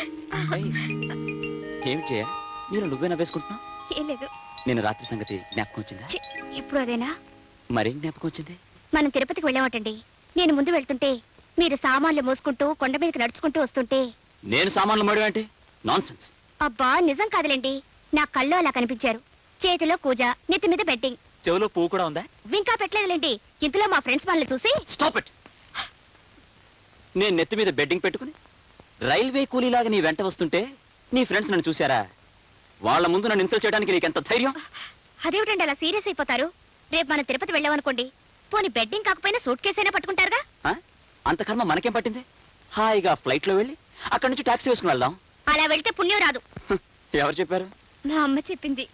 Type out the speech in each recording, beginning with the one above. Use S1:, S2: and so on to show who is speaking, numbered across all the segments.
S1: ఏమి చేయ మీరు నువ్వే నవ్వేసుకుంటున్నావు?
S2: ఏం లేదు.
S1: నేను రాత్రి సంగతి జ్ఞాపకం వచ్చిందా?
S2: ఇప్పుడు అదేనా?
S1: మరేం జ్ఞాపకం వచ్చింది?
S2: మనం తిరుపతికి వెళ్ళామటండి. నేను ముందు వెళ్తుంటే మీరు సామాన్లు మోసుకుంటూ కొండ మీదకి నడుచుకుంటూ వస్తుంటే
S1: నేను సామాన్లు మోయడం అంటే నాన్సెన్స్.
S2: అబ్బా నిజం కాదులేండి, నా కళ్ళు అలా కనిపించారు. చేతిలో కూజ, నెత్తి మీద బెట్టింగ్.
S1: చెవులో పువ్వు కూడా ఉందా?
S2: ఇంకా పెట్టలేదులేండి. ఇంతలో మా ఫ్రెండ్స్ వాళ్ళని చూసి
S1: స్టాప్ ఇట్. నేను నెత్తి మీద బెడ్డింగ్ పెట్టుకుని రైల్వే కూలీలాగా నీ వెంట వస్తుంటే నీ ఫ్రెండ్స్ నన్ను చూశారా? వాళ్ళ ముందు నన్ను ఇన్సల్ట్ చేయడానికి నీకెంత ధైర్యం?
S2: అదేమిటండి అలా సీరియస్ అయిపోతారు? రేపు మనం తిరుపతి వెళ్ళామనుకోండి, పోనీ బెడ్డింగ్ కాకపోయినా సూట్ కేసు అయినా పట్టుకుంటారుగా.
S1: అంత కర్మ మనకేం పట్టింది? హాయిగా ఫ్లైట్ లో వెళ్ళి అక్కడి నుంచి టాక్సీ వేసుకుని వెళ్దాం.
S2: అలా వెళ్తే పుణ్యం రాదు.
S1: ఎవరు చెప్పారు?
S2: మా అమ్మ చెప్పింది.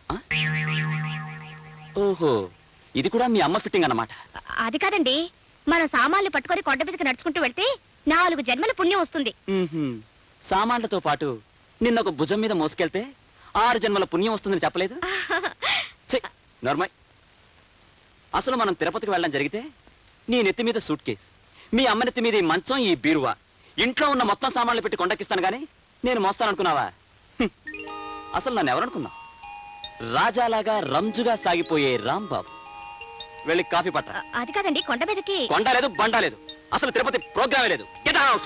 S1: ఓహో, ఇది కూడా మీ అమ్మ ఫిట్టింగ్ అన్నమాట.
S2: అది కాదండి, మనం సామాన్లు పట్టుకొని కొండ మీదకి నడుచుకుంటూ వెళ్తే 4 జన్మల పుణ్యం వస్తుంది.
S1: సామాన్లతో పాటు నిన్న ఒక భుజం మీద మోసుకెళ్తే 6 జన్మల పుణ్యం వస్తుందని చెప్పలేదు? నార్మల్. అసలు మనం తిరుపతికి వెళ్ళడం జరిగితే నీ నెత్తి మీద సూట్ కేసు, మీ అమ్మ నెత్తి మీద ఈ మంచం, ఈ బీరువా, ఇంట్లో ఉన్న మొత్తం సామాన్లు పెట్టి కొండకిస్తాను గానీ నేను మోస్తాననుకున్నావా? అసలు నన్ను ఎవరనుకున్నావు? రాజాలాగా రంజుగా సాగిపోయే రాంబాబు. వెళ్ళి కాఫీ పట్ట.
S2: అది కాదండి, కొండ మీదకి.
S1: కొండ లేదు, బండ లేదు, అసలు తిరుపతి ప్రోగ్రామే లేదు. Get out.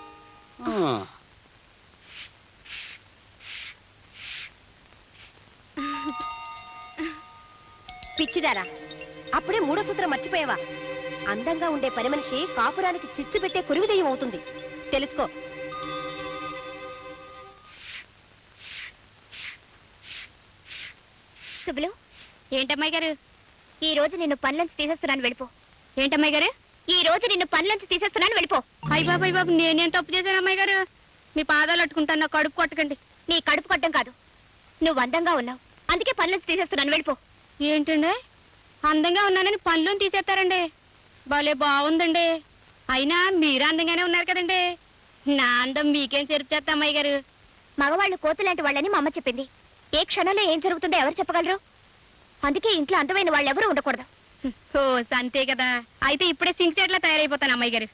S2: పిచ్చిదారా, అప్పుడే 3వ సూత్రం మర్చిపోయావా? అందంగా ఉండే పని మనిషి కాపురానికి చిచ్చు పెట్టే కురివిదయ్యం అవుతుంది, తెలుసుకో. సుబ్బులు, ఏంటమ్మాయి గారు ఈ రోజు నిన్ను పనిలోంచి తీసేస్తున్నాను, వెళ్ళిపో. ఏంటమ్మాయి గారు ఈ రోజు నిన్ను పనిలోంచి తీసేస్తున్నాను, వెళ్ళిపో. అయ్య బాబు, అయ్య బాబు, నేనేం తప్పు చేశాను అమ్మాయి గారు? మీ పాదాలు అట్టుకుంటాను, నా కడుపు కొట్టకండి. నీ కడుపు కొట్టడం కాదు, నువ్వు అందంగా ఉన్నావు, అందుకే పనిలోంచి తీసేస్తున్నాను, వెళ్ళిపో. ఏంటండి, అందంగా ఉన్నానని పనిలోని తీసేస్తారండి? భలే బాగుందండి. అయినా మీరు అందంగానే ఉన్నారు కదండి. నా అందం మీకేం చెరుపు చేస్తా అమ్మాయి గారు? మగవాళ్ళు కోతులాంటి వాళ్ళని మా అమ్మ చెప్పింది. ఏ క్షణంలో ఏం జరుగుతుందో ఎవరు చెప్పగలరు? అందుకే ఇంట్లో అందమైన వాళ్ళు ఎవరు ఉండకూడదు. ఓ అంతే కదా, అయితే ఇప్పుడే సింక్ చెట్లా తయారైపోతాను అమ్మాయి గారు.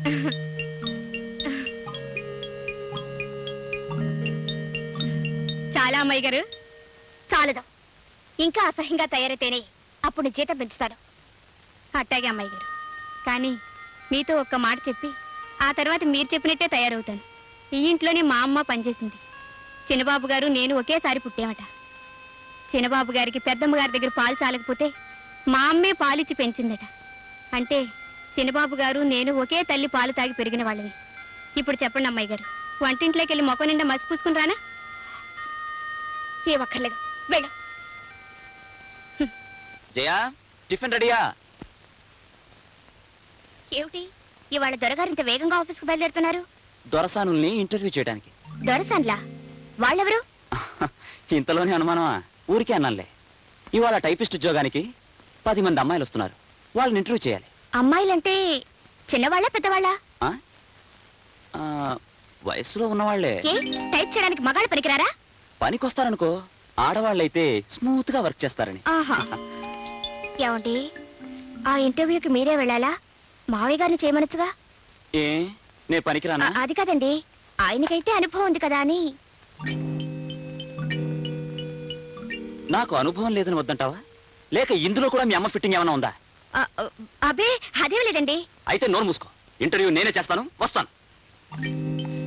S2: చాలా అమ్మాయి గారు, చాలదు. ఇంకా అసహ్యంగా తయారైతేనే అప్పుడు జీతం పెంచుతాను. అట్టాగే అమ్మాయి గారు, కానీ మీతో ఒక్క మాట చెప్పి ఆ తర్వాత మీరు చెప్పినట్టే తయారవుతాను. ఈ ఇంట్లోనే మా అమ్మ పనిచేసింది. చిన్నబాబు గారు నేను ఒకేసారి పుట్టామట. చిన్నబాబు గారికి పెద్దమ్మ గారి దగ్గర పాలు చాలకపోతే మా అమ్మే పాలిచ్చి పెంచిందట. అంటే చిన్నబాబు గారు నేను ఒకే తల్లి పాలు తాగి పెరిగిన వాళ్ళని. ఇప్పుడు చెప్పండి అమ్మాయి గారు, వంటింట్లోకి వెళ్ళి మొక్క నిండా మసి పూసుకుని రానా? ఏ ఒక్కర్లేదు, వెళ్ళు.
S1: జయా, టిఫిన్ రెడీయా?
S2: ఏమిటి ఇవాళ దొరగారింత వేగంగా ఆఫీస్కి బయలుదేరుతున్నారు?
S1: దొరసానుల్ని ఇంటర్వ్యూ చేయడానికి.
S2: దొరసాన్లా? వాళ్ళెవరు?
S1: ఇంతలోనే అనుమానమా? ఊరికే అన్నానులే. ఇవాళ టైపిస్ట్ ఉద్యోగానికి 10 మంది అమ్మాయిలు వస్తున్నారు, వాళ్ళని ఇంటర్వ్యూ చేయాలి.
S2: అమ్మాయిలంటే చిన్నవాళ్ళ పెద్దవాళ్ళ?
S1: వయసులో ఉన్నవాళ్లే.
S2: టైప్ చేయడానికి మగాళ్ళు పనికిరారా?
S1: పనికొస్తారనుకో, ఆడవాళ్ళైతే స్మూత్ గా వర్క్ చేస్తారని.
S2: ఏమండి, ఆ ఇంటర్వ్యూకి మీరే వెళ్ళాలా? మావయ్య గారిని చేయమనొచ్చుగా.
S1: ఏ నే పనికిరానా?
S2: అది కాదండి, ఆయనకైతే అనుభవం ఉంది కదా అని.
S1: నాకు అనుభవం లేదని వద్దంటావా? లేక ఇందులో కూడా మీ అమ్మ ఫిట్టింగ్ ఏమైనా ఉందా?
S2: అబ్బే అదేం లేదండి.
S1: అయితే నోరు మూసుకో, ఇంటర్వ్యూ నేనే చేస్తాను, వస్తాను.